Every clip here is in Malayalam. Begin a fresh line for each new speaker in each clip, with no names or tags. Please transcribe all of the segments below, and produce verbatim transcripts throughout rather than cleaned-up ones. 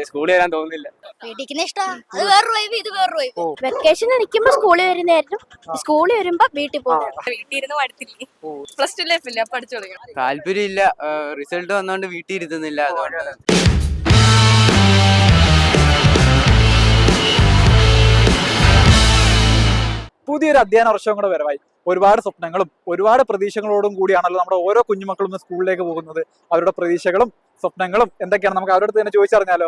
സ്കൂളിൽ വരാൻ തോന്നുന്നില്ല.
വീട്ടിൽ ഇഷ്ടാ, അത് വേറൊരു വൈബ്, ഇത് വേറൊരു വൈബ്.
വെക്കേഷൻ നിൽക്കുമ്പോ സ്കൂളിൽ വരുന്നതായിരുന്നു, സ്കൂളിൽ വരുമ്പോ വീട്ടിൽ പോകും.
വീട്ടിൽ ഇരുന്ന് പഠിത്തില്ലേ, പ്ലസ് ടു ലൈഫില്ല, പഠിച്ചു തുടങ്ങണം.
താല്പര്യം ഇല്ല, റിസൾട്ട് വന്നോണ്ട് വീട്ടിൽ ഇരുത്തുന്നില്ല. അതുകൊണ്ട്
പുതിയൊരു അധ്യയന വർഷവും കൂടെ വരവായി. ഒരുപാട് സ്വപ്നങ്ങളും ഒരുപാട് പ്രതീക്ഷകളോടും കൂടിയാണല്ലോ നമ്മുടെ ഓരോ കുഞ്ഞുമക്കളും ഇന്ന് സ്കൂളിലേക്ക് പോകുന്നത്. അവരുടെ പ്രതീക്ഷകളും സ്വപ്നങ്ങളും എന്തൊക്കെയാണ് നമുക്ക് അവരുടെ അടുത്ത് തന്നെ ചോദിച്ചറിഞ്ഞാലോ.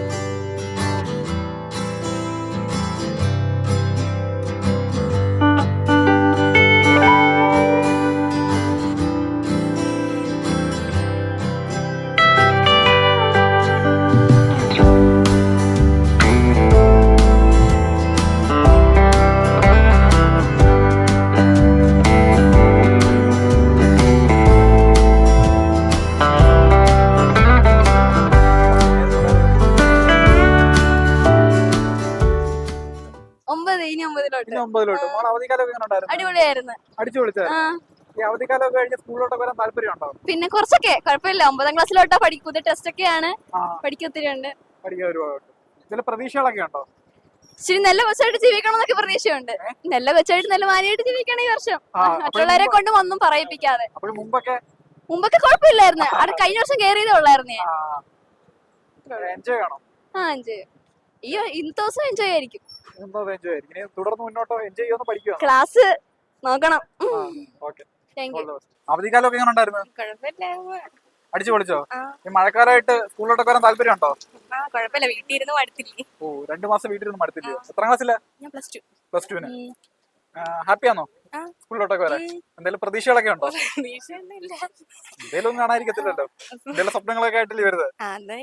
ഒമ്പത് ഇനി ഒമ്പതിലോട്ട്
ഇനി ഒമ്പതിലോട്ട് മോൾ അവധിക്കാലമൊക്കെ എങ്ങനെ ഉണ്ടായിരുന്നു?
അടിപൊളിയായിരുന്നു.
അടിച്ചു വിളിച്ചായിരുന്നു. ഈ അവധിക്കാലമൊക്കെ കഴിഞ്ഞ് സ്കൂളിലോട്ടൊക്കെ വരാൻ താല്പര്യമുണ്ടോ?
പിന്നെ കുറച്ചൊക്കെ കുഴപ്പമില്ല. ഒമ്പതാം ക്ലാസ്സിലോട്ടാ പഠിക്കും, പുതിയ ടെസ്റ്റ് ഒക്കെയാണ്, പഠിക്കാൻ ഒത്തിരി ഉണ്ട്.
പഠിക്കാൻ ഒരുപാട് ചില പ്രതീക്ഷകളൊക്കെ ഉണ്ടോ?
ഇച്ചിരി നല്ല വെച്ചായിട്ട് ജീവിക്കണം എന്നൊക്കെ പ്രതീക്ഷയുണ്ട്. നല്ല വെച്ചായിട്ട് നല്ല മാനിയായിട്ട് ജീവിക്കണം ഈ വർഷം, മറ്റുള്ളവരെ കൊണ്ടും ഒന്നും പറയിപ്പിക്കാതെ.
അപ്പോൾ മുമ്പൊക്കെ
മുമ്പൊക്കെ കുഴപ്പമില്ലായിരുന്നു, അവിടെ കഴിഞ്ഞ വർഷം കയറിയതേ ഉള്ളായിരുന്നു ഞാൻ.
എൻജോയ് ചെയ്യണം.
ആ എൻജോയ് ഈ ഇന്നത്തെ ദിവസം എൻജോയ് ആയിരിക്കും.
എൻജോയ് ആയിരിക്കും. ഇനി തുടർന്ന് മുന്നോട്ടോ എൻജോയ് ചെയ്യുമെന്ന് പഠിക്കുക.
ക്ലാസ് നോക്കണം.
ഓക്കെ. അവധിക്കാലമൊക്കെ എങ്ങനെ ഉണ്ടായിരുന്നു?
കുഴപ്പമില്ല,
അടിച്ചു പൊളിച്ചോ? ഈ മഴക്കാലമായിട്ട് സ്കൂളിലോട്ടൊക്കെ വരാൻ താല്പര്യം ഉണ്ടോ?
കുഴപ്പമില്ല, വീട്ടിൽ ഇരുന്ന് പഠിത്തില്ലേ.
ഓ, രണ്ടു മാസം വീട്ടിലിരുന്ന് മടുത്തില്ലയോ? എത്രാം ക്ലാസ്സിലാ?
ഞാൻ പ്ലസ് ടു.
പ്ലസ് ടുവിന്. ഹാപ്പിയാണോ സ്കൂളിലോട്ടൊക്കെ വരാൻ? എന്തെങ്കിലും പ്രതീക്ഷകളൊക്കെ ഉണ്ടോ? എന്തേലും ഒന്നും കാണാതിരിക്കത്തില്ലല്ലോ. എന്തെങ്കിലും സ്വപ്നങ്ങളൊക്കെ ആയിട്ടില്ലേ വരുന്നത്?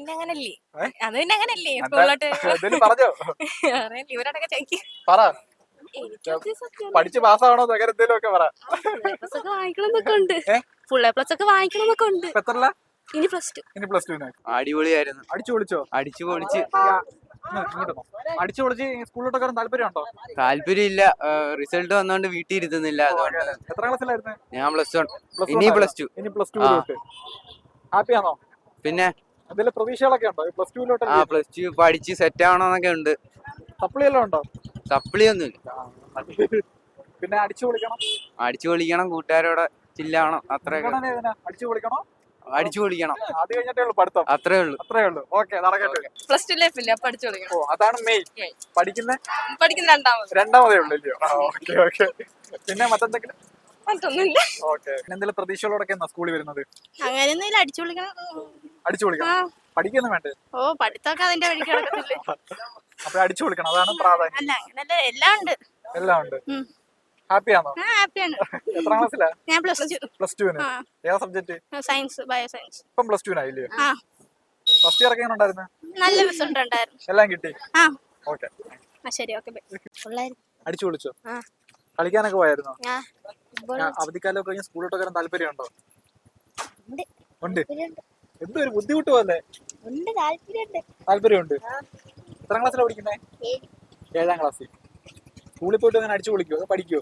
എന്തേലും പറഞ്ഞോ? പറ. പഠിച്ച് പാസ്സാവണോ അങ്ങനെ എന്തേലും ഒക്കെ പറ.
ഫുൾ എ പ്ലസ് ഒക്കെ വാങ്ങിക്കണമെന്നൊക്കെ ഉണ്ട്.
എത്രല്ല?
ഇനി പ്ലസ് ടു.
ഇനി പ്ലസ് ടുവിന്.
അടിപൊളിയായിരുന്നു.
അടിച്ചു പൊളിച്ചോ?
അടിച്ചു പൊളിച്ച്
അടിച്ചു പൊളിച്ച് സ്കൂളിലോട്ടൊക്കെ വരാൻ താല്പര്യം ഉണ്ടോ?
താല്പര്യം ഇല്ല, റിസൾട്ട് വന്നോണ്ട് വീട്ടിൽ ഇരുത്തുന്നില്ല. അതുകൊണ്ട്
എത്ര ക്ലാസ്സിലായിരുന്നു?
ഞാൻ പ്ലസ് വൺ, ഇനി പ്ലസ് ടു.
ഇനി പ്ലസ് ടു. ഹാപ്പിയാണോ?
പിന്നെ
എന്തെങ്കിലും പ്രതീക്ഷകളൊക്കെ ഉണ്ടോ പ്ലസ് ടുവിലോട്ട്?
ആ പ്ലസ് ടു പഠിച്ച് സെറ്റ് ആവണമെന്നൊക്കെ ഉണ്ട്.
സപ്ലി എല്ലാം ഉണ്ടോ?
സപ്ലി ഒന്നുമില്ല.
പിന്നെ അടിച്ചു പൊളിക്കണം.
അടിച്ചു പൊളിക്കണം, കൂട്ടുകാരോടെ ചില്ലാവണം, അത്രയൊക്കെ.
അടിച്ചു പൊളിക്കണോ?
അടിച്ചു പൊളിക്കണം.
അത് കഴിഞ്ഞിട്ടേ ഉള്ളൂ പഠിത്തം.
അത്രേ ഉള്ളൂ.
അത്രേ ഉള്ളൂ. ഓക്കെ, നടക്കട്ടെ.
പ്ലസ് ടു ലൈഫില്ല, പഠിച്ചു തുടങ്ങണം.
ഓ, അതാണ് മെയിൻ. പഠിക്കുന്ന
പഠിക്കുന്ന രണ്ടാമത്
രണ്ടാമതേ ഉള്ളൂ ഇല്ലയോ? Okay okay. പിന്നെ മറ്റെന്തെങ്കിലും?
മറ്റൊന്നുമില്ല.
ഓക്കെ. എന്തെങ്കിലും പ്രതീക്ഷകളോടൊക്കെ എന്നാ സ്കൂളിൽ വരുന്നത്?
അങ്ങനെയൊന്നും അടിച്ചു വിളിക്കണം.
അടിച്ചു വിളിക്കണം. പഠിക്കൊന്നും വേണ്ടേ?
ഓ, പഠിത്തമൊക്കെ അതിന്റെ വഴിക്ക് കിടക്കത്തില്ലേ.
അപ്പൊ അടിച്ചു വിളിക്കണം, അതാണ് പ്രാധാന്യം.
അല്ല, അങ്ങനല്ല, എല്ലാം ഉണ്ട്.
എല്ലാം ഉണ്ട്. ഹാപ്പിയാണോ?
ഹാപ്പിയാണ്.
എത്രാം ക്ലാസ്സിലാ?
ഞാൻ പ്ലസ് ടു.
പ്ലസ് ടുവിന്. ഏതാ സബ്ജക്ട്?
Science, bio science.
ഇപ്പം പ്ലസ് ടുവിനായില്ലേ? ഫസ്റ്റ് ഇയർ ഒക്കെ എങ്ങനെ ഉണ്ടായിരുന്നു?
നല്ല റിസൾട്ട് ഉണ്ടായിരുന്നു.
എല്ലാം കിട്ടി?
ആ
ഓക്കെ.
ശരി, ഓക്കെ.
അടിച്ചു വിളിച്ചോ? കളിക്കാനൊക്കെ പോയായിരുന്നോ? അവധിക്കാലമൊക്കെ കഴിഞ്ഞ് സ്കൂളിലോട്ട് വരാൻ താല്പര്യം ഉണ്ടോ? ഉണ്ട്. എന്തോ ഒരു ബുദ്ധിമുട്ട് പോലെ. താല്പര്യമുണ്ട്. എത്രാം ക്ലാസ്സിലാണ് പഠിക്കുന്നേ? ഏഴാം ക്ലാസ്സിൽ. സ്കൂളിൽ പോയിട്ട് അങ്ങനെ അടിച്ചു വിളിക്കോ? അതോ പഠിക്കോ?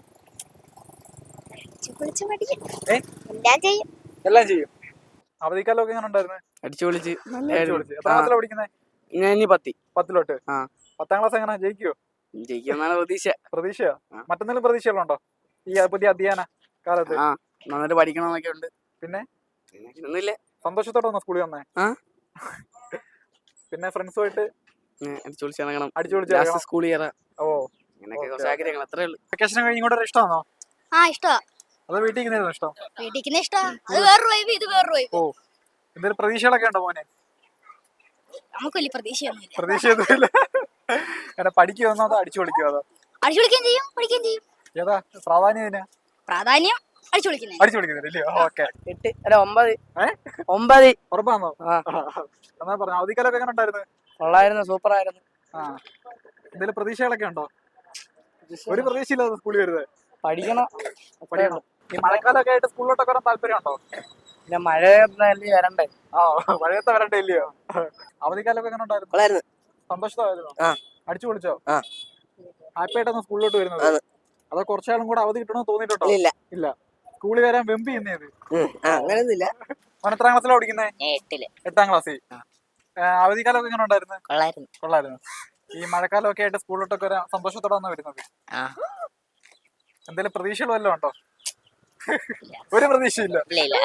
എല്ലാം ചെയ്യും. അവധിക്കാലമൊക്കെ എങ്ങനെ ഉണ്ടായിരുന്നു?
അടിച്ചു പൊളിച്ച്.
എത്രാം ക്ലാസ്സിലാണ് പഠിക്കുന്നേ?
ഞാൻ ഇനി പത്തി
പത്തിലോട്ട്. പത്താം ക്ലാസ് എങ്ങനെ ജയിക്കോ?
ജയിക്കുമെന്നാണ് പ്രതീക്ഷ.
പ്രതീക്ഷയോ? മറ്റെന്തെങ്കിലും പ്രതീക്ഷകളുണ്ടോ ഈ പുതിയ അധ്യയന കാലത്ത്?
ആ, നന്നായിട്ട് പഠിക്കണമെന്നൊക്കെ ഉണ്ട്.
പിന്നെ
ഒന്നുമില്ല,
സന്തോഷത്തോടെ വന്നോ സ്കൂളിൽ വന്നേ? പിന്നെ ഫ്രണ്ട്സുമായിട്ട്
അടിച്ചു പൊളിച്ച് ഇറങ്ങണം.
അടിച്ചു പൊളിച്ച്
സ്കൂളിൽ കയറാം.
ഓ,
അങ്ങനെയൊക്കെ കുറച്ച് ആഗ്രഹങ്ങൾ, അത്രേ ഉള്ളൂ.
വെക്കേഷൻ കഴിഞ്ഞ് ഇങ്ങോട്ട് ഇഷ്ടമാണോ?
ആ ഇഷ്ടമാ.
അതോ വീട്ടിൽ ഇരിക്കുന്നതാണോ ഇഷ്ടം?
വീട്ടിൽ ഇഷ്ടാ, അത് വേറൊരു വൈബ്, ഇത് വേറൊരു വൈബ്.
ഓ, എന്തെങ്കിലും പ്രതീക്ഷകളൊക്കെ ഉണ്ടോ മോനെ?
നമുക്ക് വലിയ പ്രതീക്ഷയൊന്നുമില്ല.
പ്രതീക്ഷയൊന്നുമില്ല. അങ്ങനെ പഠിക്കുമോ അതോ അടിച്ചു പൊളിക്കുമോ? അതോ
അടിച്ചു വിളിക്കുകയും ചെയ്യും, പഠിക്കുകയും ചെയ്യും.
ഏതാ പ്രാധാന്യം?
പ്രാധാന്യം അടിച്ചു വിളിക്കുന്നത്.
അടിച്ചു വിളിക്കുന്നില്ലയോ? ഓക്കെ.
എട്ട് അല്ല ഒമ്പത്. ഒമ്പത്.
ഉറപ്പാണോ? എന്നാ പറഞ്ഞു. അവധിക്കാലൊക്കെ എങ്ങനെ ഉണ്ടായിരുന്നു?
കൊള്ളായിരുന്നു, സൂപ്പർ ആയിരുന്നു.
ആ, എന്തെങ്കിലും പ്രതീക്ഷകളൊക്കെ ഉണ്ടോ? ഒരു പ്രതീക്ഷയില്ലാതെ സ്കൂളിൽ വരുന്നത്?
പഠിക്കണം.
പഠിക്കണം. ഈ മഴക്കാലൊക്കെ ആയിട്ട് സ്കൂളിലോട്ടൊക്കെ വരാൻ താല്പര്യം ഉണ്ടോ?
പിന്നെ മഴ വരണ്ടേ?
ആ, മഴയത്തെ വരണ്ടേ ഇല്ലയോ? അവധിക്കാലൊക്കെ എങ്ങനെ ഉണ്ടായിരുന്നു? സന്തോഷമായിരുന്നു. അടിച്ചു പൊളിച്ചോ? ഹാപ്പി ആയിട്ടാണ് സ്കൂളിലോട്ട് വരുന്നത്? അതോ കുറച്ചാളും കൂടെ അവധി കിട്ടണമെന്ന് തോന്നിയിട്ടുണ്ടോ?
ഇല്ല
ഇല്ല. സ്കൂളിൽ വരാൻ വെമ്പി ചെയ്യുന്നത്?
അങ്ങനെയൊന്നുമില്ല.
അവൻ എത്രാം ക്ലാസ്സിലാണ് പഠിക്കുന്നത്?
എട്ടില്.
എട്ടാം ക്ലാസ്സിൽ. അവധിക്കാലമൊക്കെ എങ്ങനെ ഉണ്ടായിരുന്നു?
കൊള്ളായിരുന്നു.
കൊള്ളായിരുന്നു. ഈ മഴക്കാലമൊക്കെ ആയിട്ട് സ്കൂളിലോട്ടൊക്കെ ഒരു സന്തോഷത്തോടെ വന്ന് വരുന്നത്.
ആ
എന്തെങ്കിലും പ്രതീക്ഷകൾ വല്ലതും ഉണ്ടോ? ഒരു പ്രതീക്ഷയില്ല.
ഇല്ല ഇല്ല.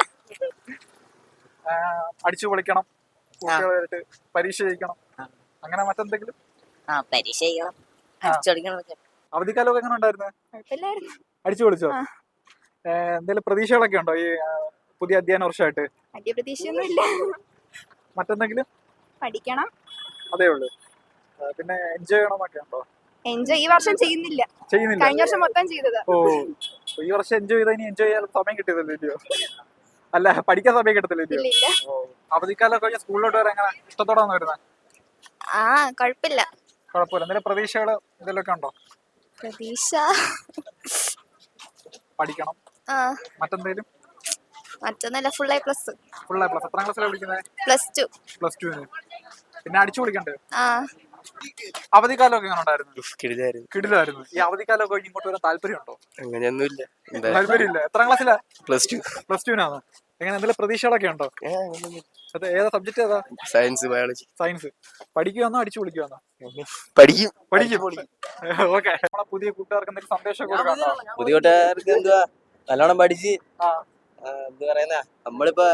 അടിച്ചു പൊളിക്കണം, കുട്ടികളായിട്ട് പരീക്ഷ ജയിക്കണം, അങ്ങനെ മറ്റെന്തെങ്കിലും?
ആ പരീക്ഷ ചെയ്യണം, അടിച്ചോടിക്കണം.
അവധിക്കാലമൊക്കെ എങ്ങനെ ഉണ്ടായിരുന്നു?
കുഴപ്പമില്ലായിരുന്നു.
അടിച്ചു പൊളിച്ചോ? എന്തെങ്കിലും പ്രതീക്ഷകളൊക്കെ ഉണ്ടോ ഈ ആ, പുതിയ അധ്യയന വർഷമായിട്ട്?
വലിയ പ്രതീക്ഷയൊന്നും ഇല്ല.
മറ്റെന്തെങ്കിലും?
പഠിക്കണം.
അതേ ഉള്ളൂ. ആ, പിന്നെ എൻജോയ് ചെയ്യണമെന്നൊക്കെ ഉണ്ടോ?
എൻജോയ് ഈ വർഷം ചെയ്യുന്നില്ല.
ചെയ്യുന്നില്ല.
കഴിഞ്ഞ വർഷം മൊത്തം ചെയ്തത്.
ഓ ഈ വർഷം എൻജോയ് ചെയ്താൽ ഇനി എൻജോയ് ചെയ്യാൻ സമയം കിട്ടിയതല്ലോ? അല്ല, പഠിക്കാൻ സമയം കിട്ടത്തില്ലല്ലോ?
ഇല്ല ഇല്ല.
അവധിക്കാലം കഴിഞ്ഞ സ്കൂളിലോട്ട് വരാൻ എങ്ങനെ ഇഷ്ടത്തോടെ വന്ന് വരുന്നത്?
ആ കുഴപ്പമില്ല.
കുഴപ്പമില്ല. എന്തെങ്കിലും പ്രതീക്ഷകൾ എന്തെങ്കിലുമൊക്കെ ഉണ്ടോ?
പ്രതീക്ഷ
പഠിക്കണം,
ആ
മറ്റെന്തെങ്കിലും?
മറ്റൊന്നല്ല, full A plus.
Full A plus. എത്രാം ക്ലാസ്സിലാണ് പഠിക്കുന്നത്?
Plus two.
പ്ലസ് ടുവിന്. പിന്നെ അടിച്ചു പൊളിക്കണ്ടേ?
ആ
അവധിക്കാലമൊക്കെ എങ്ങനെ ഉണ്ടായിരുന്നു?
കിടിലായിരുന്നു.
കിടിലായിരുന്നു. ഈ അവധിക്കാലമൊക്കെ കഴിഞ്ഞ് ഇങ്ങോട്ട് വരാൻ താല്പര്യമുണ്ടോ?
അങ്ങനെയൊന്നുമില്ല.
താല്പര്യമില്ല. എത്രാം ക്ലാസ്സിലാ?
Plus two.
പ്ലസ് ടുവിനാണ്. എങ്ങനെ എന്തെങ്കിലും പ്രതീക്ഷകളൊക്കെ ഉണ്ടോ? അത് ഏതാ സബ്ജക്ട്? ഏതാ?
Science, biology.
സയൻസ്. പഠിക്കുവാന്നോ അടിച്ചു പൊളിക്കുവാന്നോ?
പഠിക്കും.
പഠിക്കും. ഓക്കെ. നമ്മളെ പുതിയ കൂട്ടുകാർക്ക് എന്തെങ്കിലും സന്ദേശം കൊടുക്കാമോ?
പുതിയ കൂട്ടുകാർക്ക് എന്തുവാ, നല്ലോണം പഠിച്ച്
ആ.
എന്ത് പറയുന്ന നമ്മളിപ്പോ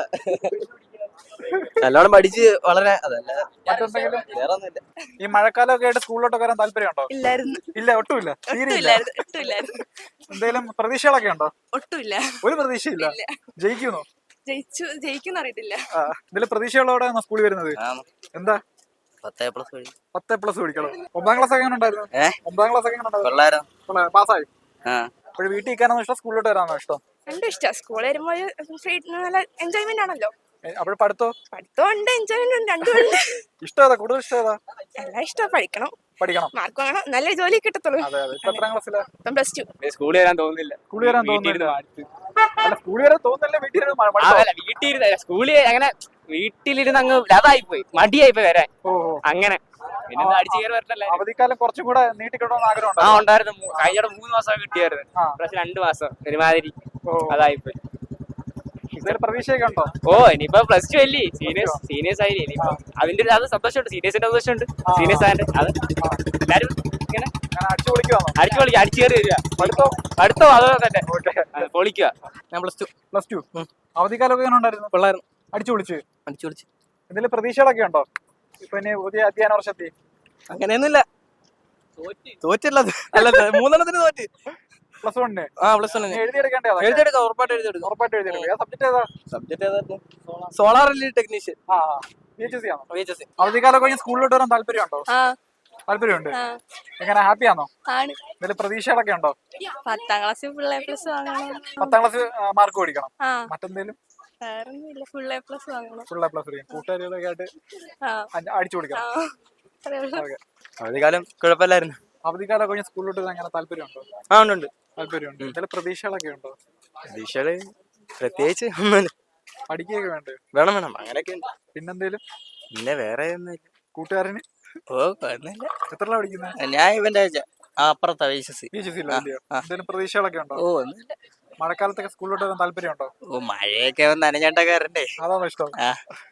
നല്ലോണം പഠിച്ച് വളരെ അതല്ല
മറ്റെന്തെങ്കിലും?
വേറെ ഒന്നുമില്ല.
ഈ മഴക്കാലമൊക്കെ ആയിട്ട് സ്കൂളിലോട്ട് വരാൻ താല്പര്യമുണ്ടോ?
ഇല്ലായിരുന്നു.
ഇല്ല, ഒട്ടുമില്ല. തീരെ ഇല്ല.
ഒട്ടുമില്ലായിരുന്നു.
എന്തെങ്കിലും പ്രതീക്ഷകളൊക്കെ ഉണ്ടോ?
ഒട്ടുമില്ല.
ഒരു പ്രതീക്ഷയില്ല. ജയിക്കുന്നോ?
ജയിച്ചു ജയിക്കുന്ന അറിയത്തില്ല.
ആ, എന്തെങ്കിലും പ്രതീക്ഷകളോടെ സ്കൂളിൽ വരുന്നത്? എന്താ?
പത്തേ പ്ലസ് വഴി
പത്ത് പ്ലസ് പിടിക്കണം. ഒമ്പതാം ക്ലാസ് ഒക്കെ എങ്ങനെ ഉണ്ടായിരുന്നു?
ഏഹ്
ഒമ്പതാം ക്ലാസ് ഒക്കെ എങ്ങനെ ഉണ്ടായിരുന്നു?
കൊള്ളായിരുന്നു.
പാസ്സായി.
ആ
അപ്പോൾ വീട്ടിൽ നിൽക്കാനാണോ ഇഷ്ടം, സ്കൂളിലോട്ട് വരാനാണോ ഇഷ്ടം?
രണ്ടും ഇഷ്ടം. സ്കൂളിൽ വരുമ്പോൾ നല്ല എൻജോയ്മെന്റ് ആണല്ലോ.
അപ്പോൾ പഠിത്തോ?
പഠിത്തം ഉണ്ട്, എൻജോയ്മെന്റ് ഉണ്ട്, രണ്ടും ഉണ്ട്.
ഇഷ്ടം ഏതാ? കൂടുതൽ ഇഷ്ടം ഏതാ?
എല്ലാം ഇഷ്ടം. പഠിക്കണം,
പഠിക്കണം.
മാർക്ക് വാങ്ങണം, നല്ല ജോലി കിട്ടത്തുള്ളൂ.
അതെ അതെ. ഇപ്പൊ എത്രാം ക്ലാസ്സിലാ?
ഇപ്പം പ്ലസ് ടു.
സ്കൂളിൽ വരാൻ തോന്നുന്നില്ല.
സ്കൂളിൽ വരാൻ തോന്നുന്നില്ല. അല്ല, സ്കൂളിൽ വരാൻ തോന്നുന്നില്ല. വീട്ടിൽ ഇരുന്ന് മ- മടുത്തോ?
അതല്ല, വീട്ടിലിരുന്ന സ്കൂളിൽ അങ്ങനെ വീട്ടിലിരുന്ന് അങ്ങ് ലതായിപ്പോയി, മടിയായിപ്പോയി വരാൻ.
ഓ ഓ.
അങ്ങനെ പിന്നെ ഒന്ന് അടിച്ചു കയറി വരട്ടല്ലേ.
അവധിക്കാലം കുറച്ചും കൂടെ നീട്ടിക്കിടണമെന്ന് ആഗ്രഹം
ആ
ഉണ്ടോ?
ഉണ്ടായിരുന്നു. മൂ- കഴിഞ്ഞ മൂന്ന് മാസം കിട്ടിയായിരുന്നു.
ആ.
പക്ഷെ രണ്ടു മാസം ഒരുമാതിരി
ഓ.
അതായിപ്പോയി.
ഇതൊരു പ്രതീക്ഷയൊക്കെ ഉണ്ടോ?
ഓ ഇനിയിപ്പോ പ്ലസ് ടു അല്ലേ, സീനിയേഴ്സ് സീനിയേഴ്സ് ആയില്ലേ ഇനിയിപ്പോ. അതിന്റെ ഒരു അത് സന്തോഷമുണ്ട്, സീനിയേഴ്സിന്റെ സന്തോഷമുണ്ട്. സീനിയേഴ്സ് ആയിട്ട് അത് എല്ലാരും ഇങ്ങനെ
ഞാൻ അടിച്ചു പൊളിക്കുവാണോ?
അടിച്ചു പൊളിക്കുക, അടിച്ചു കയറി വരിക.
പഠിത്തോ?
അടുത്തോ അതോ തന്നെ
ഓക്കെ.
അത് പൊളിക്കുക. ഞാൻ പ്ലസ് ടു.
Plus two. അവധിക്കാലമൊക്കെ എങ്ങനെ ഉണ്ടായിരുന്നു?
കൊള്ളായിരുന്നു.
അടിച്ചു പൊളിച്ച്.
അടിച്ചു പൊളിച്ച്.
എന്തെങ്കിലും പ്രതീക്ഷകളൊക്കെ ഉണ്ടോ ഇപ്പൊ ഇനി പുതിയ അധ്യയന വർഷത്തിൽ?
അങ്ങനെയൊന്നുമില്ല. തോറ്റല്ല അല്ല, മൂന്നെണ്ണത്തിന് തോറ്റ്.
പ്ലസ് വണ്ണിന്
ആ പ്ലസ് വണ്ണിന്
എഴുതിയെടുക്കേണ്ടതാ?
എഴുതിയെടുക്കാം, ഉറപ്പായിട്ട് എഴുതിയെടുക്കാം.
ഉറപ്പായിട്ട് എഴുതിയെടുക്കും. ഏതാ സബ്ജക്ട്? ഏതാ
സബ്ജക്ട് ഏതായിരുന്നു? Solar relay technician.
ആ പി എച്ച് സി ആണോ?
V H S C.
അവധിക്കാലം കഴിഞ്ഞ് സ്കൂളിലോട്ട് വരാൻ താല്പര്യമുണ്ടോ?
ആ
താല്പര്യമുണ്ട്.
ആ,
എങ്ങനെ ഹാപ്പിയാണോ?
ആണ്.
എന്തെങ്കിലും പ്രതീക്ഷകളൊക്കെ ഉണ്ടോ?
പത്താം ക്ലാസ്സിൽ ഫുൾ എ പ്ലസ് വാങ്ങണം.
പത്താം ക്ലാസ് മാർക്ക് മേടിക്കണം.
ആ
മറ്റെന്തെങ്കിലും?
വേറൊന്നുമില്ല, ഫുൾ എ പ്ലസ് വാങ്ങണം.
ഫുൾ എ പ്ലസ് കൂട്ടുകാരികളൊക്കെ ആയിട്ട്
ആ
അടി- അടിച്ചു
ആ
കൊടുക്കണം.
അതേ ഉള്ളൂ.
ഓക്കെ.
അവധിക്കാലം കുഴപ്പമില്ലായിരുന്നു.
അവധിക്കാലം കഴിഞ്ഞ് സ്കൂളിലോട്ട് വരാൻ അങ്ങനെ താല്പര്യമുണ്ടോ?
ആ ഉണ്ട് ഉണ്ട്.
താല്പര്യമുണ്ട്. എന്തെങ്കിലും പ്രതീക്ഷകളൊക്കെ ഉണ്ടോ?
പരീക്ഷകള് പ്രത്യേകിച്ച് ഒന്നുമില്ല.
പഠിക്കുകയൊക്കെ വേണ്ടേ?
വേണം വേണം അങ്ങനെയൊക്കെ ഉണ്ട്.
പിന്നെന്തേലും?
പിന്നെ വേറെ ഒന്നുമില്ല.
കൂട്ടുകാരന്
ഓ കുഴപ്പമില്ല.
എത്രല്ല പഠിക്കുന്നത്?
ഞാൻ ഇവന്റെ ആ അപ്പുറത്താ V H S C.
P H C ഇല്ലയോ? എന്തെങ്കിലും പ്രതീക്ഷകളൊക്കെ ഉണ്ടോ?
ഓ ഒന്നുമില്ല.
മഴക്കാലത്തൊക്കെ സ്കൂളിലോട്ട് വരാൻ താല്പര്യമുണ്ടോ?
ഓ മഴയൊക്കെ നനഞ്ഞാട്ടൊക്കെ വരണ്ടേ.
അതാണോ ഇഷ്ടം?
ആ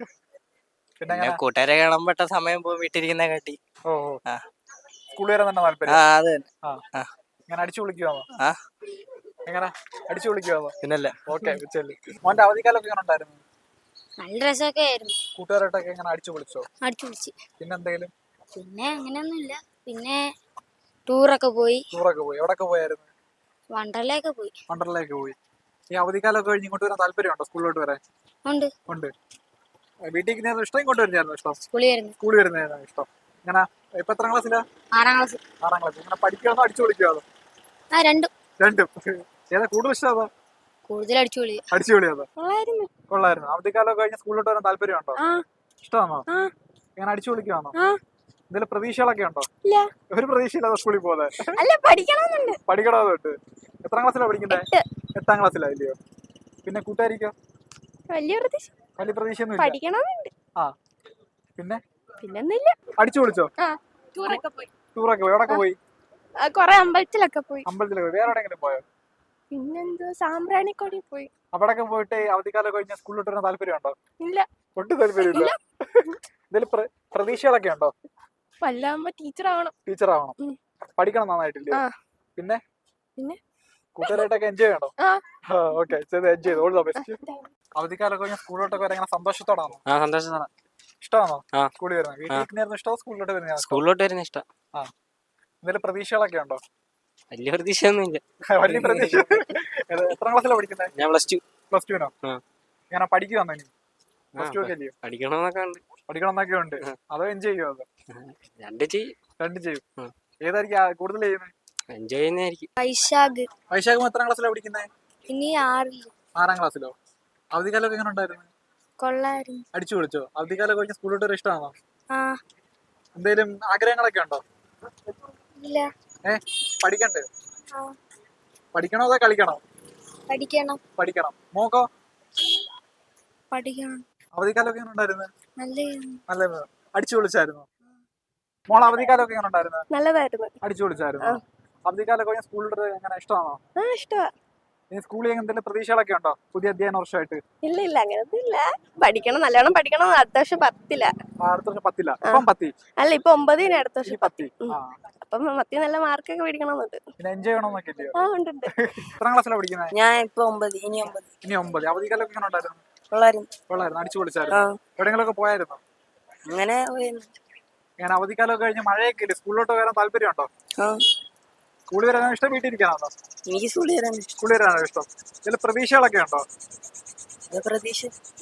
പിന്നെ
പിന്നെ
എങ്ങനെ?
കൂട്ടുകാരെ കാണാൻ പെട്ട സമയം പോകും വീട്ടിലിരിക്കുന്ന കാട്ടി.
ഓ ഓ.
ആ.
സ്കൂളിൽ വരാൻ തന്നെ
ആ
താല്പര്യം?
അത് തന്നെ.
ആ
ആ.
ഇങ്ങനെ അടിച്ചു വിളിക്കുവാണോ?
ആ
എങ്ങനെ അടിച്ചു വിളിക്കുവാണോ?
പിന്നല്ല.
ഓക്കെ. മോന്റെ അവധിക്കാലൊക്കെ എങ്ങനെ ഉണ്ടായിരുന്നു?
നല്ല രസമൊക്കെ ആയിരുന്നു.
കൂട്ടുകാരായിട്ടൊക്കെ എങ്ങനെ അടിച്ചു വിളിച്ചോ?
അടിച്ചു വിളിച്ച്.
പിന്നെന്തെങ്കിലും?
പിന്നെ അങ്ങനെയൊന്നുമില്ല. പിന്നെ ടൂറൊക്കെ പോയി,
ടൂറൊക്കെ പോയി. എവിടൊക്കെ പോയായിരുന്നു?
വണ്ടർലയൊക്കെ പോയി.
വണ്ടർലേക്ക് പോയി. ഈ അവധിക്കാലമൊക്കെ കഴിഞ്ഞ് ഇങ്ങോട്ട് വരാൻ താല്പര്യമുണ്ടോ? സ്കൂളിലോട്ട് വരാൻ?
ഉണ്ട്.
ഉണ്ട്. വീട്ടിൽ നിൽക്കുന്നതായിരുന്നു ഇഷ്ടം, ഇങ്ങോട്ട് വരുന്നതായിരുന്നു ഇഷ്ടം?
സ്കൂളിൽ വരുന്നു.
സ്കൂളിൽ വരുന്നതായിരുന്നു ഇഷ്ടം. ഇങ്ങനെ ഇപ്പൊ എത്രാം ക്ലാസ്സിലാ?
ആറാം ക്ലാസ്.
ആറാം ക്ലാസ്. ഇങ്ങനെ പഠിക്കാന്നോ അടിച്ചു വിളിക്കാന്നോ?
ആ രണ്ടും.
രണ്ടും. ഏതാ കൂടുതൽ ഇഷ്ടം? ഏതാ?
കൂടുതൽ അടിച്ചു വിളി.
അടിച്ചു വിളിയാതോ?
കൊള്ളായിരുന്നു.
കൊള്ളായിരുന്നു. അവധിക്കാലമൊക്കെ കഴിഞ്ഞ് സ്കൂളിലോട്ട് വരാൻ താല്പര്യമുണ്ടോ?
ആ
ഇഷ്ടമാണോ?
ആ
ഇങ്ങനെ അടിച്ചു വിളിക്കുവാണോ?
ആ
എന്തെങ്കിലും പ്രതീക്ഷകളൊക്കെ ഉണ്ടോ?
ഇല്ല.
ഒരു പ്രതീക്ഷയില്ലാതെ സ്കൂളിൽ പോകുന്നത്?
അല്ല, പഠിക്കണമെന്നുണ്ട്.
പഠിക്കണമെന്നുണ്ട്. എത്രാം ക്ലാസ്സിലാണ് പഠിക്കുന്നത്? എട്ടാം ക്ലാസ്സിലാ ഇല്ലയോ? പിന്നെ കൂട്ടുകാരിക്കോ?
വലിയ പ്രതീക്ഷ.
വലിയ പ്രതീക്ഷയൊന്നും ഇല്ല.
പഠിക്കണമെന്നുണ്ട്.
ആ പിന്നെ
പിന്നൊന്നുമില്ല.
അടിച്ചു വിളിച്ചോ?
ആ ടൂറൊക്കെ പോയി.
ടൂറൊക്കെ പോയി. എവിടൊക്കെ പോയി?
കൊറേ അമ്പലത്തിലൊക്കെ പോയി.
അമ്പലത്തിലൊക്കെ പോയി. വേറെ എവിടെയെങ്കിലും പോയോ?
പിന്നെന്തോ സാമ്പ്രാണിക്കൊടി പോയി.
അവിടെയൊക്കെ പോയിട്ട് അവധിക്കാലം കഴിഞ്ഞ സ്കൂളിലോട്ട് വരാൻ താല്പര്യമുണ്ടോ?
ഇല്ല.
ഒട്ടും താല്പര്യമില്ല. എന്തെങ്കിലും പ്ര- പ്രതീക്ഷകളൊക്കെ ഉണ്ടോ?
വല്ലാകുമ്പോ ടീച്ചർ ആവണം.
ടീച്ചർ ആവണം,
ഉം.
പഠിക്കണം നന്നായിട്ടില്ലേ?
ആ.
പിന്നെ
പിന്നെ?
കൂട്ടുകാരായിട്ടൊക്കെ എൻജോയ് ചെയ്യണോ?
ആ.
ഓക്കെ, ചെയ്ത് എൻജോയ് ചെയ്ത് ഓൾ ദ ബെസ്റ്റ്. അവധിക്കാലൊക്കെ കഴിഞ്ഞാൽ സ്കൂളിലോട്ടൊക്കെ വരാൻ ഇങ്ങനെ സന്തോഷത്തോടാണോ?
ആ സന്തോഷമാണ്.
ഇഷ്ടമാണോ
ആ.
സ്കൂളിൽ വരുന്നത്? വീട്ടിൽ ഇഷ്ടമോ സ്കൂളിലോട്ട് വരുന്നത്?
സ്കൂളിലോട്ട് വരുന്ന ഇഷ്ടം.
എന്തെങ്കിലും പ്രതീക്ഷകളൊക്കെ ഉണ്ടോ?
വലിയ പ്രതീക്ഷയൊന്നും ഇല്ല.
വലിയ പ്രതീക്ഷ. ഏത്, എത്രാം ക്ലാസ്സിലാണ് പഠിക്കുന്നത്?
ഞാൻ പ്ലസ് ടു.
പ്ലസ് ടുവിനോ?
ആ.
ഇങ്ങനെ പഠിക്കുവാന്നോ ഇനി? പ്ലസ് ടു ഒക്കെ അല്ലയോ?
പഠിക്കണമെന്നൊക്കെ ഉണ്ട്.
പഠിക്കണം എന്നൊക്കെ ഉണ്ട്. അതോ എൻജോയ് ചെയ്യുമോ? അതോ
രണ്ട് ചെയ്യും.
രണ്ടും ചെയ്യും.
ഉം.
ഏതായിരിക്കും ആ- കൂടുതൽ ചെയ്യുന്നത്?
എൻജോയ് ചെയ്യുന്നതായിരിക്കും.
വൈശാഖ്
വൈശാഖം എത്രാം ക്ലാസ്സിലാണ് പഠിക്കുന്നത്?
ഇനി ആറിൽ
ആറാം ക്ലാസ്സിലോ? അവധിക്കാലമൊക്കെ എങ്ങനെ ഉണ്ടായിരുന്നു?
കൊള്ളായിരുന്നു.
അടിച്ചു പൊളിച്ചോ? അവധിക്കാലം കഴിഞ്ഞ് സ്കൂളിലോട്ട് വരാൻ ഇഷ്ടമാണോ?
ആ
എന്തെങ്കിലും ആഗ്രഹങ്ങളൊക്കെ ഉണ്ടോ?
ഇല്ല.
ഏ പഠിക്കണ്ടേ?
ആ
പഠിക്കണോ അതോ കളിക്കണോ?
പഠിക്കണം.
പഠിക്കണം. മോക്കോ?
പഠിക്കണം.
അവധിക്കാലമൊക്കെ എങ്ങനെ ഉണ്ടായിരുന്നു?
നല്ല
നല്ല അടിച്ചു പൊളിച്ചായിരുന്നു. മോൾ അവധിക്കാലമൊക്കെ എങ്ങനെ ഉണ്ടായിരുന്നു?
നല്ലതായിരുന്നു.
അടിച്ചു പൊളിച്ചായിരുന്നു. അവധിക്കാലം കഴിഞ്ഞ സ്കൂളിൽ എങ്ങനെ ഇഷ്ടമാണോ?
ആ ഇഷ്ടമാ.
ഇനി സ്കൂളിൽ എന്തെങ്കിലും പ്രതീക്ഷകളൊക്കെ ഉണ്ടോ പുതിയ അധ്യയന വർഷമായിട്ട്?
ഇല്ല ഇല്ല അങ്ങനൊന്നും ഇല്ല. പഠിക്കണം, നല്ലോണം പഠിക്കണം. അടുത്ത വർഷം പത്തില്ല.
ആ, അടുത്ത വർഷം പത്തില്ല. ഇപ്പം പത്തി.
അല്ല ഇപ്പൊ ഒമ്പതിന്, അടുത്ത
ഇനി
വർഷം
പത്തി.
ഉം.
ആ.
അപ്പം പത്തി നല്ല മാർക്കൊക്കെ മേടിക്കണമെന്നുണ്ട്.
പിന്നെ എൻജോയ് ചെയ്യണമെന്നൊക്കെ ഇല്ലയോ?
ആ ഉണ്ട് ഉണ്ട്.
എത്രാം ക്ലാസ്സിലാണ് പഠിക്കുന്നത്?
ഞാൻ ഇപ്പൊ ഒമ്പത് ഇനി ഒമ്പത്
ഇനി ഒമ്പത്. അവധിക്കാലമൊക്കെ എങ്ങനെ ഉണ്ടായിരുന്നു?
പിള്ളേരും
കൊള്ളായിരുന്നു, അടിച്ചു പൊളിച്ചായിരുന്നു. എവിടെയെങ്കിലൊക്കെ പോയായിരുന്നു?
അങ്ങനെ
ഞാൻ അവധിക്കാലമൊക്കെ കഴിഞ്ഞ് മഴയൊക്കെ ഇല്ലേ, സ്കൂളിലോട്ട് വരാൻ താല്പര്യം ഉണ്ടോ?
ആ
സ്കൂളിൽ വരാനോ ഇഷ്ടം, വീട്ടിൽ ഇരിക്കാനാണോ?
എനിക്ക് സ്കൂളിൽ വരാൻ
സ്കൂളിൽ വരാനോ ഇഷ്ടം? ഇതിൽ പ്രതീക്ഷകളൊക്കെ ഉണ്ടോ?
പ്രതീക്ഷ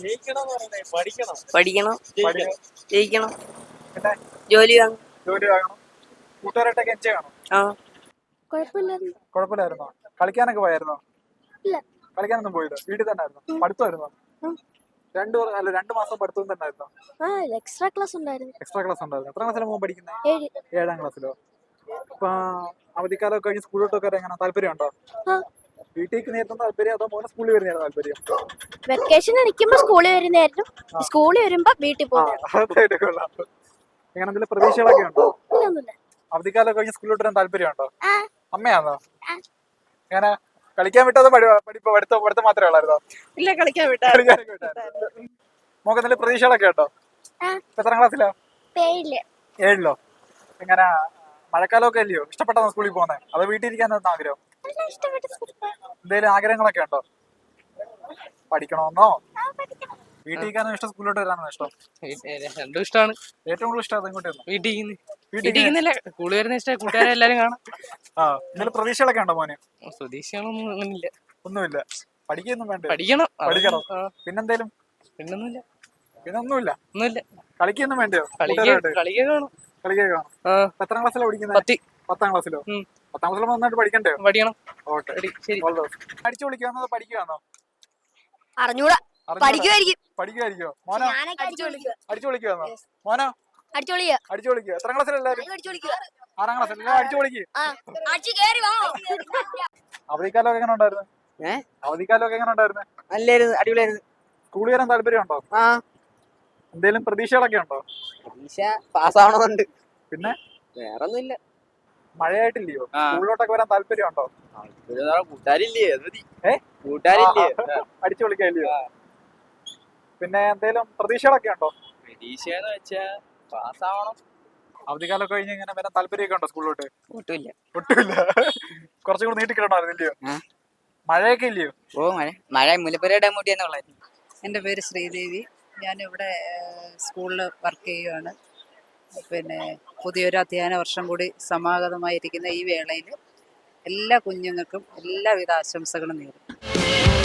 പഠിക്കണം,
പഠിക്കണം,
പഠിക്കണം,
ജയിക്കണം,
പിന്നെ
ജോലി വാങ്ങണം.
ജോലി വാങ്ങണം, കൂട്ടുകാരായിട്ടൊക്കെ എൻജോയ് ചെയ്യണം.
ആ
കുഴപ്പമില്ലായിരുന്നു.
കുഴപ്പമില്ലായിരുന്നോ? കളിക്കാനൊക്കെ പോയായിരുന്നോ?
ഇല്ല.
കളിക്കാനൊന്നും പോയില്ല, വീട്ടിൽ തന്നെ ആയിരുന്നു. പഠിത്തമായിരുന്നോ? രണ്ടു വർ- അല്ല രണ്ടു മാസം പഠിത്തം തന്നെ ആയിരുന്നോ?
ആ എക്സ്ട്രാ ക്ലാസ് ഉണ്ടായിരുന്നു.
എക്സ്ട്രാ ക്ലാസ് ഉണ്ടായിരുന്നു. എത്ര ക്ലാസ്സിലാണ് മോൻ പഠിക്കുന്നത്?
ഏഴ്.
ഏഴാം ക്ലാസ്സിലോ? അപ്പൊ അവധിക്കാലമൊക്കെ കഴിഞ്ഞ് സ്കൂളിലോട്ടൊക്കെ വരാൻ എങ്ങനെ താല്പര്യം ഉണ്ടോ?
ആ.
വീട്ടിലേക്ക് നേരത്തെ താല്പര്യം അതോ മോനെ സ്കൂളിൽ വരുന്നതാണ് താല്പര്യം?
വെക്കേഷൻ നിൽക്കുമ്പോ സ്കൂളിൽ വരുന്നതായിരുന്നു. സ്കൂളിൽ വരുമ്പോ വീട്ടിൽ
ആ,
പോകുന്നത്.
അതായിട്ട് കൊള്ളാം. എങ്ങനെ എന്തെങ്കിലും പ്രതീക്ഷകളൊക്കെ ഉണ്ടോ?
ഒന്നുമില്ല.
അവധിക്കാലം കഴിഞ്ഞ് സ്കൂളിലോട്ട് വരാൻ താല്പര്യം ഉണ്ടോ?
ആ.
അമ്മയാണോ? എങ്ങനെ കളിക്കാൻ വിട്ടത് പഠിപ്പ് പഠിത്തം പഠിത്തം മാത്രമേ ഉള്ളായിരുന്നോ?
ഇല്ല കളിക്കാൻ വിട്ടാ.
കളിക്കാനൊക്കെ വിട്ടായിരുന്നോ? മോക്ക് എന്തെങ്കിലും പ്രതീക്ഷകളൊക്കെ ഉണ്ടോ?
ആ.
ഇപ്പൊ എത്രാം ക്ലാസ്സിലോ?
പേയില്ല.
ഏഴിലോ? എങ്ങനെ മഴക്കാലമൊക്കെ അല്ലയോ, ഇഷ്ടപ്പെട്ടാണോ സ്കൂളിൽ പോകുന്നത് അതോ വീട്ടിൽ ഇരിക്കാനായിരുന്നു ആഗ്രഹം? എന്തെങ്കിലും ആഗ്രഹങ്ങളൊക്കെ ഉണ്ടോ? പഠിക്കണമെന്നോ വീട്ടിൽ ഇരിക്കാനോ ഇഷ്ടം, സ്കൂളിലോട്ട് വരാനോ ഇഷ്ടം?
രണ്ടും ഇഷ്ടമാണ്.
ഏറ്റവും കൂടുതൽ ഇഷ്ടം ഇങ്ങോട്ടായിരുന്നു.
വീട്ടിൽ ഇരിക്കുന്നത്.
വീട്ടിൽ
വീട്ടിൽ ഇരിക്കുന്നില്ല, സ്കൂളിൽ വരുന്ന ഇഷ്ടം. കൂട്ടുകാരെ എല്ലാരും കാണാം.
ആ, എന്തെങ്കിലും പ്രതീക്ഷകളൊക്കെ ഉണ്ടോ മോന്?
പ്രതീക്ഷകളൊന്നും അങ്ങനില്ല.
ഒന്നുമില്ല. പഠിക്കൊന്നും വേണ്ട.
പഠിക്കണം.
പഠിക്കണം. പിന്നെന്തേലും?
പിന്നൊന്നുമില്ല.
പിന്നെ ഒന്നുമില്ല.
ഒന്നുമില്ല.
കളിക്കൊന്നും വേണ്ടയോ?
കളിക്കാൻ കാണും.
കളിക്കാൻ കാണും. എത്രാം ക്ലാസ്സിലാണ് പഠിക്കുന്നത്?
പത്തി.
പത്താം ക്ലാസ്സിലോ?
ഉം.
പത്താം ക്ലാസ്സിൽ നന്നായിട്ട് പഠിക്കണ്ടേ?
പഠിക്കണം.
ഓക്കെ,
ശരി.
അടിച്ചു വിളിക്കുവാന്നോ പഠിക്കുവാന്നോ?
അറിഞ്ഞൂടാ. പഠിക്കുമായിരിക്കും.
പഠിക്കുമായിരിക്കോ? മോനോ?
ഞാനൊക്കെ അടിച്ചു വിളിക്കുക.
അടിച്ചു വിളിക്കുവാന്നോ? മോനോ?
അടിച്ചു വിളിക്കുക.
അടിച്ചു വിളിക്കുക. എത്രാം ക്ലാസ്സിലെല്ലാരും?
അടിച്ചു വിളിക്കുക.
ആറാം ക്ലാസ്സിൽ എല്ലാം അടിച്ചു വിളിക്കുക.
ആ അടിച്ചു കേറി വാ.
അവധിക്കാലമൊക്കെ എങ്ങനെ ഉണ്ടായിരുന്നു?
ഏ?
അവധിക്കാലമൊക്കെ എങ്ങനെ ഉണ്ടായിരുന്നു?
നല്ലായിരുന്നു, അടിപൊളിയായിരുന്നു.
സ്കൂളിൽ വരാൻ താല്പര്യം ഉണ്ടോ?
ആ
എന്തെങ്കിലും പ്രതീക്ഷകളൊക്കെ ഉണ്ടോ?
പരീക്ഷ പാസ്സാവണമെന്നുണ്ട്.
പിന്നെ
വേറൊന്നുമില്ല.
മഴയായിട്ടില്ലയോ?
ആ.
സ്കൂളിലോട്ടൊക്കെ വരാൻ താല്പര്യം ഉണ്ടോ?
കൂട്ടുകാരില്ലേ?
ഏ?
കൂട്ടുകാരില്ലേ?
അടിച്ചു വിളിക്കാല്ലയോ? പിന്നെ എന്തെങ്കിലും പ്രതീക്ഷകളൊക്കെ ഉണ്ടോ?
പ്രതീക്ഷന്ന് വെച്ചാ പാസ്സാവണം.
അവധിക്കാലമൊക്കെ കഴിഞ്ഞ് ഇങ്ങനെ വരാൻ താല്പര്യമൊക്കെ ഉണ്ടോ സ്കൂളിലോട്ട്?
ഒട്ടുമില്ല.
ഒട്ടുമില്ല. കുറച്ചും കൂടി നീട്ടിക്കിടണമായിരുന്നില്ലയോ? മഴയൊക്കെ ഇല്ലയോ?
ഓ മഴ മഴ മുല്ലപ്പെരിയാർ ഡാം കൂട്ടിയെന്നുള്ളായിരുന്നു.
എൻ്റെ പേര് ശ്രീദേവി. ഞാനിവിടെ സ്കൂളിൽ വർക്ക് ചെയ്യുകയാണ്. പിന്നെ പുതിയൊരു അധ്യയന വർഷം കൂടി സമാഗതമായിരിക്കുന്ന ഈ വേളയിൽ എല്ലാ കുഞ്ഞുങ്ങൾക്കും എല്ലാവിധ ആശംസകളും നേരുന്നു.